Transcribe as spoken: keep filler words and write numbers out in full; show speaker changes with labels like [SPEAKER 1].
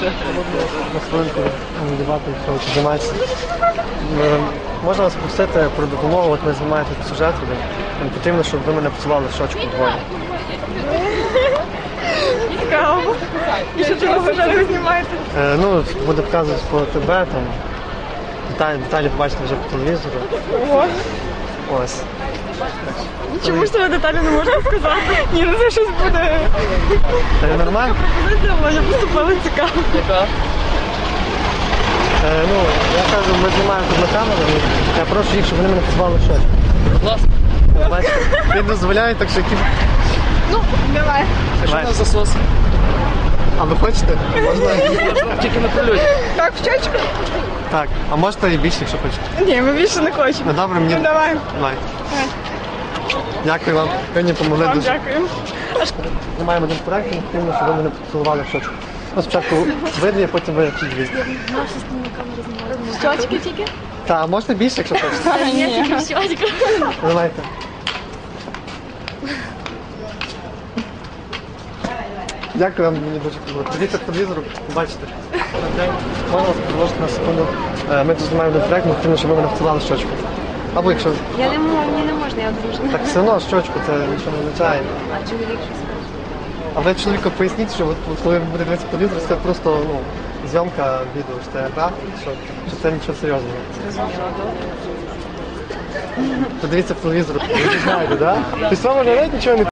[SPEAKER 1] На хвилинку дебати, що займається. Можна вас попросити про допомогу, от ми знімаємо тут сюжет, мені потрібно, щоб ви мене поцілували в щочку двоє.
[SPEAKER 2] Цікаво. І що чого ви зараз знімаєте?
[SPEAKER 1] Е, ну, буде показувати по ТБ, там, деталі, деталі побачите вже по телевізору.
[SPEAKER 2] Ого.
[SPEAKER 1] Ось.
[SPEAKER 2] Чому ж тебе деталі не можна сказати? Ні, ну це щось буде.
[SPEAKER 1] Це нормально?
[SPEAKER 2] Пропозиція була, я поступила цікаво.
[SPEAKER 3] Яка?
[SPEAKER 1] Е, ну, я кажу, ми знімаємо тут на камеру, і я прошу їх, щоб вони мене позвали в щочку.
[SPEAKER 3] Будь ласка.
[SPEAKER 1] Бачите, він дозволяє, так що які...
[SPEAKER 2] Ну, давай.
[SPEAKER 3] А що у нас засос?
[SPEAKER 1] А ви хочете? Можна?
[SPEAKER 3] Тільки на прильоті.
[SPEAKER 2] Так, в щечку?
[SPEAKER 1] Так, а можете і більше, якщо хочете.
[SPEAKER 2] Ні, ми більше не хочемо.
[SPEAKER 1] Ну добре, мені...
[SPEAKER 2] Ну, давай.
[SPEAKER 1] Давай. Дякую вам, ви мені допомогли
[SPEAKER 2] Вам
[SPEAKER 1] дуже.
[SPEAKER 2] дякую.
[SPEAKER 1] Ми маємо один проект, і потрібно, щоб ви мене поцілували в щочку. Ну, спочатку ви дві, потім ви ті дві.
[SPEAKER 2] Щочки тільки?
[SPEAKER 1] Так, а можна більше, якщо хочете.
[SPEAKER 2] Ні, тільки в щочку.
[SPEAKER 1] Давайте. Дякую вам, мені дуже подобається. Дивіться по телевізору, побачите. Можна вас продовжити на секунду. Е, Ми тут знімаємо один проект, ми потрібно, щоб ви мене поцілували в щочку. Або якщо...
[SPEAKER 4] Я не можу, мені не можна, я одружена.
[SPEAKER 1] Так все одно щочку, це нічого не означає.
[SPEAKER 4] А чоловік що скаже?
[SPEAKER 1] А ви чоловіку поясніть, що от, от коли ви будете дивитися по телевізору, це просто ну, зйомка відео, що це гра, що, що це нічого серйозного.
[SPEAKER 4] Зрозуміло, добре.
[SPEAKER 1] Подивіться по телевізору, ви знаєте, так? Да? Тобто вам навіть нічого не